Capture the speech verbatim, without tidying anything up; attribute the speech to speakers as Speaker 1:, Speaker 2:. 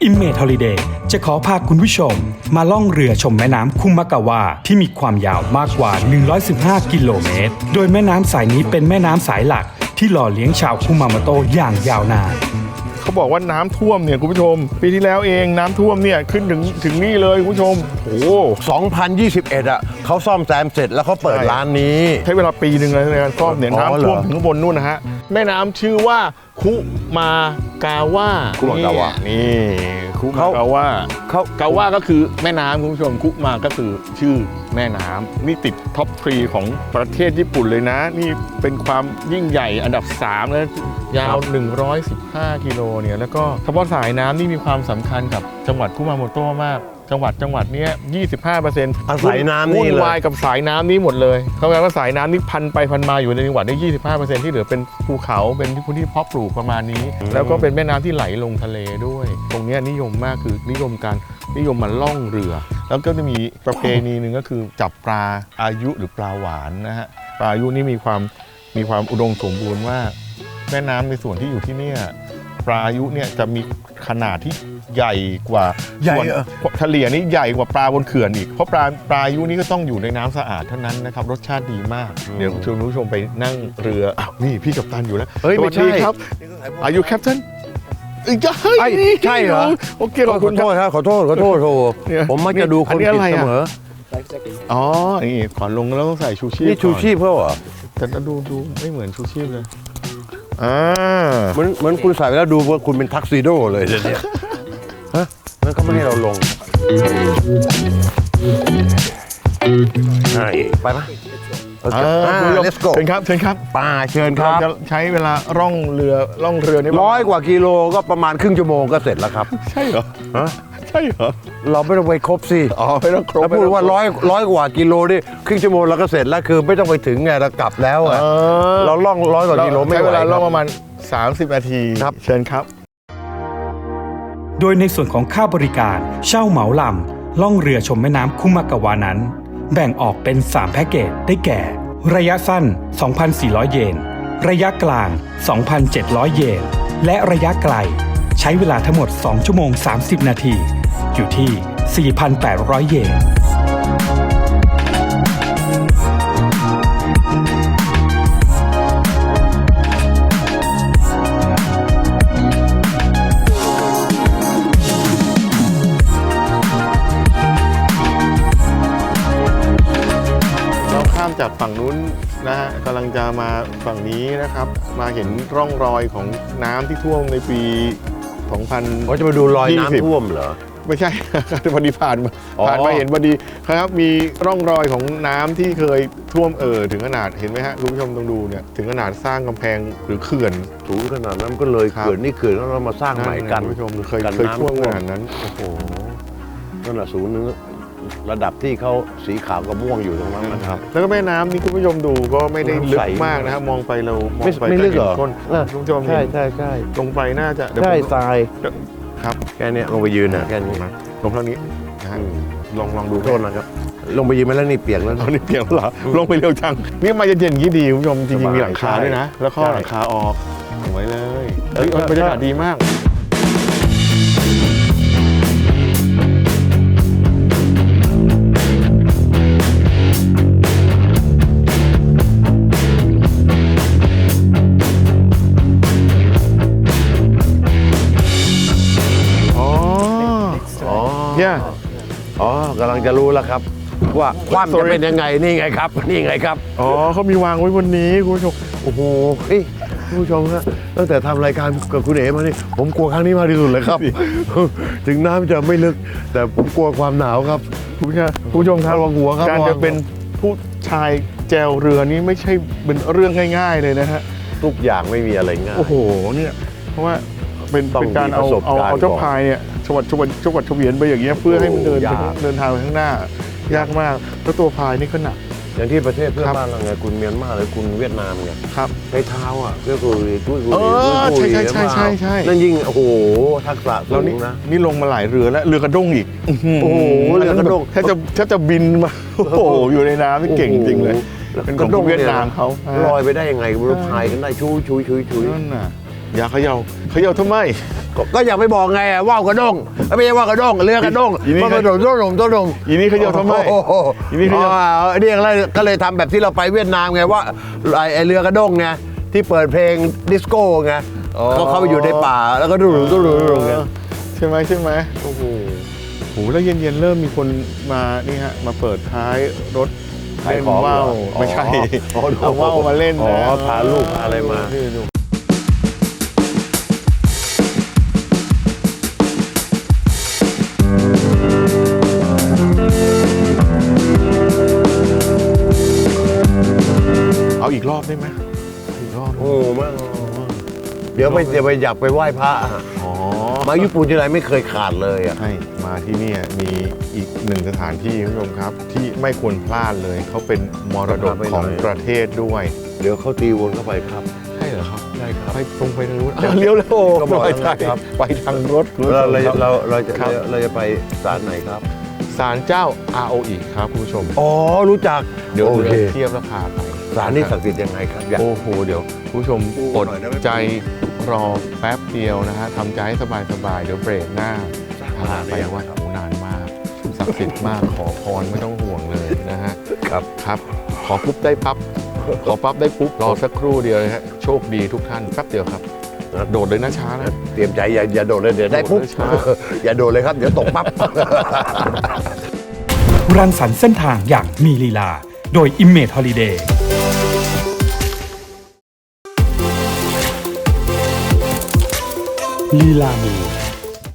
Speaker 1: Image Holiday จะขอพาคุณผู้ชมมาล่องเรือชมแม่น้ำคุมากาวะที่มีความยาวมากกว่าหนึ่งร้อยสิบห้ากิโลเมตรโดยแม่น้ำสายนี้เป็นแม่น้ำสายหลักที่หล่อเลี้ยงชาวคุมาโมโตะอย่างยาวนาน
Speaker 2: เขาบอกว่าน้ำท่วมเนี่ยคุณผู้ชมปีที่แล้วเองน้ำท่วมเนี่ยขึ้นถึงถึงนี่เลยคุณผู้ชมโอ้
Speaker 3: สองพันยี่สิบเอ็ดอ่ะเขาซ่อมแซมเสร็จแล้วเขาเปิดร้านนี้
Speaker 2: ใช้เวลาปีหนึ่งเลยในการซ่อมเนี่ยน้ำท่วมถึงข้างบนนู่นนะฮะแม่น้ำชื่อว่าคุมากาวะ
Speaker 3: คุมากาวะ
Speaker 2: นี่คุมากาวะเขากาวะก็คือแม่น้ำคุณผู้ชมคุมาก็คือชื่อแม่น้ำนี่ติดท็อปทรีของประเทศญี่ปุ่นเลยนะนี่เป็นความยิ่งใหญ่อันดับสามแล้วยาวหนึ่งร้อยสิบห้ากิโลเนี่ยแล้วก็เฉพาะสายน้ำนี่มีความสำคัญกับจังหวัดคุมาโมโตะมากจังหวัดจังหวัดนี้ ยี่สิบห้าเปอร์เซ็นต์
Speaker 3: อาศัยน้ำนี่เลย
Speaker 2: วุ่นวายกับสายน้ำนี้หมดเลยเขาแปลว่าสายน้ำนี้พันไปพันมาอยู่ในจังหวัดได้ ยี่สิบห้าเปอร์เซ็นต์ ที่เหลือเป็นภูเขาเป็นพื้นที่เพาะปลูกประมาณนี้แล้วก็เป็นแม่น้ำที่ไหลลงทะเลด้วยตรงนี้นิยมมากคือนิยมการนิยมมาล่องเรือแล้วก็จะมีประเพณีหนึ่งก็คือจับปลาอายุหรือปลาหวานนะฮะปลาอายุนี่มีความมีความอุดมสมบูรณ์ว่าแม่น้ำในส่วนที่อยู่ที่นี่ปลาอายุเนี่ยจะมีขนาดที่ใหญ่กว่าใหญ่เฉลี่ยนี่ใหญ่กว่าปลาบนเขื่อนอีกเพราะปลาปลาอายุนี่ก็ต้องอยู่ในน้ำสะอาดเท่านั้นนะครับรสชาติดีมากเดี๋ยวชวนผู้ชมไปนั่งเรืออ้าวนี่พี่กัปตันอยู่แล้ว
Speaker 3: เฮ้ยไม่ใช่
Speaker 2: ครับอายุแคปตัน
Speaker 3: ใช่เหรอ
Speaker 2: โอเคขอบคุณ
Speaker 3: ขอโทษครับขอโทษขอโทษโทษผมมักจะดูคนผิดเสมอ
Speaker 2: อ๋อนี่ก่อนลงแล้วต้องใส่ชูชีพ
Speaker 3: นี่ชูชีพเขาเหรอ
Speaker 2: แต่ดูดูไม่เหมือนชูชีพเลยอ่า
Speaker 3: เหมือนเหมือนคุณใส่แล้วดูว่าคุณเป็นทักซิโดเลยเนี่ยฮะนั่นเขาไม่ให้เราลงไปไหม
Speaker 2: let's go เชิญครับเชิญครับ
Speaker 3: ป่าเชิญครับ
Speaker 2: จะใช้เวลาร่องเรือร่องเรือนี่
Speaker 3: ร้อยกว่ากิโลก็ประมาณครึ่งชั่วโมงก็เสร็จแล้วครับ
Speaker 2: ใช่เหรอฮะใช่เหรอ
Speaker 3: เราไม่ต้องไปครบสิ
Speaker 2: อ๋อไม่ต้องครบ
Speaker 3: ถ้าพูดว่าร้อยร้อยกว่ากิโลนี่ครึ่งชั่วโมงเราก็เสร็จแล้วคือไม่ต้องไปถึงไงเรากลับแล้วอ่ะเราล่องร้อยกว่ากิโลไม่ไหว
Speaker 2: ใช้เวลาล่องประมาณสามสิบนาที
Speaker 3: ครับ
Speaker 2: เชิญครับ
Speaker 1: โดยในส่วนของค่าบริการเช่าเหมาลำล่องเรือชมแม่น้ำคุมากาวะนั้นแบ่งออกเป็นสามแพ็กเกจได้แก่ระยะสั้น สองพันสี่ร้อย เยนระยะกลาง สองพันเจ็ดร้อย เยนและระยะไกลใช้เวลาทั้งหมดสองชั่วโมงสามสิบนาทีอยู่ที่ สี่พันแปดร้อย เยน
Speaker 2: จากฝั่งนู้นนะฮะกำลังจะมาฝั่งนี้นะครับมาเห็นร่องรอยของน้ำที่ท่วมในปีสองพันยี่สิบ
Speaker 3: เขาจะมาดูรอยน้ำท่วมเหรอ
Speaker 2: ไม่ใช่พอดีผ่านมาผ่านมาเห็นพอดีครับมีร่องรอยของน้ำที่เคยท่วมเอ่อถึงขนาดเห็นไหมฮะคุณผู้ชมต้องดูเนี่ยถึงขนาดสร้างกำแพงหรือเขื่อน
Speaker 3: สูงขนาดนั้นก็เลยเขื่อนนี่เขื่อนแล้วเรามาสร้างใหม่กัน
Speaker 2: คุณผู้ชมเคยเคยท่วมขนาดนั้นโอ้โห
Speaker 3: นั่นแหละสูงนึงระดับที่เขาสีขาวกับม่วงอยู่ตรงนั้นนะครับ
Speaker 2: แล้วก็แม่น้ำนี่คุณผู้ชมดูก็ไม่ได้ลึกมากนะครับมองไปเรามองไป
Speaker 3: ไม่ลึกหรอ
Speaker 2: คุณผู้ชม
Speaker 3: ใช่ใช่ใช่
Speaker 2: ลงไปน่าจะ
Speaker 3: ใช่ทราย
Speaker 2: ครับ
Speaker 3: แค่นี้ลงไปยืนนะแค่นี้
Speaker 2: ลงเท่านี้นะฮะลองลองดู
Speaker 3: โทษนะครับลงไปยืนมาแล้วนี่เปียกแล้ว
Speaker 2: นี่เปียกแล้วเหรอลงไปเร็วจังนี่มาเย็นๆอย่างนี้ดีคุณผู้ชมจริงๆมีหลังคาด้วยนะแล้วข้อหลังคาออกสวยเลยเฮ้ยบรรยากาศดีมาก
Speaker 3: เนี่ยอ๋อกำลังจะรู้แล้วครับว่าความจะเป็นยังไงนี่ไงครับนี่ไงครับ
Speaker 2: อ๋อเขามีวางไว้บนนี้คุณผู้ชม
Speaker 3: โอ้โหเฮ้ยคุณผู้ชมครับตั้งแต่ทำรายการกับคุณเอ๋มานี่ผมกลัวครั้งนี้มากที่สุดเลยครับถึงน้ำจะไม่ลึกแต่ผมกลัวความหนาวครับ
Speaker 2: คุณผู้ชมคุณผู้ชมครับ
Speaker 3: หัวครับ
Speaker 2: การจะเป็นผู้ชายแจวเรือนี้ไม่ใช่เป็นเรื่องง่ายๆเลยนะฮะ
Speaker 3: ทุกอย่างไม่มีอะไรง่าย
Speaker 2: โอ้โหเนี่ยเพราะว่าเป็นเป็นการเอาเอาเอาเจ้าพายเนี่ยชวัดชวัดชวัดเฉวียนไปอย่างเงี้ยเพื่อให้มันเดินเดินทางไปข้างหน้ายากมากแล้วตัวพายนี่ก็หนัก
Speaker 3: อย่างที่ประเทศเพื่อนบ้านเราไงคุณเมียนมาหรือคุณเวียดนามไง
Speaker 2: ครับ
Speaker 3: ใช้เท้าอ่ะเพื่อกุยตุ้ยกุย
Speaker 2: ใช่ใช่ใช่ใช่ใช่
Speaker 3: นั่นยิ่งโอ้โหทักษะสูงนะ
Speaker 2: นี่ลงมาหลายเรือแล้วเรือกระด้งอีก
Speaker 3: โอ้โหเรือกระด้ง
Speaker 2: แทบจะแทบจะบินมาโอ้โหอยู่ในน้ำที่เก่งจริงเลยเป็นของเวียดนามเขา
Speaker 3: ลอยไปได้ยังไงรู้พายกันได้ชุยชุยชุยชุย
Speaker 2: นั่นน่ะอย่าเขย่าเขย่าทำไม
Speaker 3: ก็ก็อยากไปบอกไงอะว่าวกระด้งไม่ใช่ว่าวกระด้งเรือกระด้ง
Speaker 2: อีนี่
Speaker 3: มันกระโดดต้นหนุ่มต้นหนุ่ม
Speaker 2: อีนี่เขาจะทำไม
Speaker 3: โอ้โห
Speaker 2: อีนี่เขาจะ
Speaker 3: อ๋ออันนี้ก็เลยก็เลยทำแบบที่เราไปเวียดนามไงว่าไอ้ไอ้เรือกระด้งไงที่เปิดเพลงดิสโก้ไงเขาเข้าไปอยู่ในป่าแล้วก็ดูดูดูดูไง
Speaker 2: ใช่ไหมใช่ไหมโอ้โหโหแล้วเย็นๆเริ่มมีคนมานี่ฮะมาเปิดท้ายรถ
Speaker 3: ขาย
Speaker 2: เล่น
Speaker 3: ของ
Speaker 2: ว่าว
Speaker 3: เหรอ
Speaker 2: ไม่ใช่
Speaker 3: อ๋อ
Speaker 2: เอาว่าวมาเล่น
Speaker 3: อ๋
Speaker 2: นะ
Speaker 3: อพาลูกพาอะไรมา
Speaker 2: นี่ดูเอาอีกรอบได้ไหมอีกรอบ
Speaker 3: โอ้มากเดี๋ยวไปเดี๋ยวไปอยากไปไหว้พระอะ
Speaker 2: อ๋อ
Speaker 3: มาญี่ปุ่นที่ไรไม่เคยขาดเลยอ่ะ
Speaker 2: ใช่มาที่เนี่ยมีอีกหนึ่งสถานที่คุณผู้ชมครับ ที่ไม่ควรพลาดเลยเขาเป็นมรดกของประเทศด้วย
Speaker 3: เดี๋ยวเขาตีวนเข้าไปครับ
Speaker 2: ใช่เหรอครับ
Speaker 3: ได้ครับ
Speaker 2: ไปตรงไปทางนู้นอ่ะเลี้ยวแล้วโอ้
Speaker 3: ก็บอก
Speaker 2: ไป
Speaker 3: แล้ว
Speaker 2: ทาง
Speaker 3: นะครับ
Speaker 2: ไปทางรถคุณผู้ช
Speaker 3: เรา
Speaker 2: ม
Speaker 3: เรา
Speaker 2: ครับ
Speaker 3: เราเราจะ
Speaker 2: ครับ
Speaker 3: เราจะไปศาลไหนครับ
Speaker 2: ศาลเจ้า อา โอ อีครับคุณผู้ชม
Speaker 3: อ๋อรู้จัก
Speaker 2: เดี๋ยว
Speaker 3: โอเค
Speaker 2: เทียบแล้วพาไป
Speaker 3: ศาลนี่ศักดิ์สิทธิ์ยังไงครับอยาก
Speaker 2: โอ้โหเดี๋ยวคุณผู้ชม
Speaker 3: โอ้
Speaker 2: อด
Speaker 3: หน่อยได้ไหม
Speaker 2: ใจรอแป๊บเดียวนะฮะทำใจให้สบายๆเดี๋ยวเบรกหน้าพาไปว่าโอ้นานมากศักดิ์สิทธิ์มากขอพรไม่ต้องห่วงเลยนะฮะ
Speaker 3: ครับ
Speaker 2: ครับขอปุ๊บได้ปั๊บ ขอปั๊บได้ปุ๊บ รอสักครู่เดียวนะฮะ โชคดีทุกท่านแป๊บเดียวครับ โดดเลยนะช้านะ
Speaker 3: เตรียมใจอย่าอย่าโดดเลยเดี๋ยวได้ปุ๊บ
Speaker 2: โดดเลยช้า
Speaker 3: อย่าโดดเลยครับเดี๋ยวตกปั๊บ
Speaker 1: รังสรรค์เส้นทางอย่างมีลีลา โดย Image Holiday ลีลามี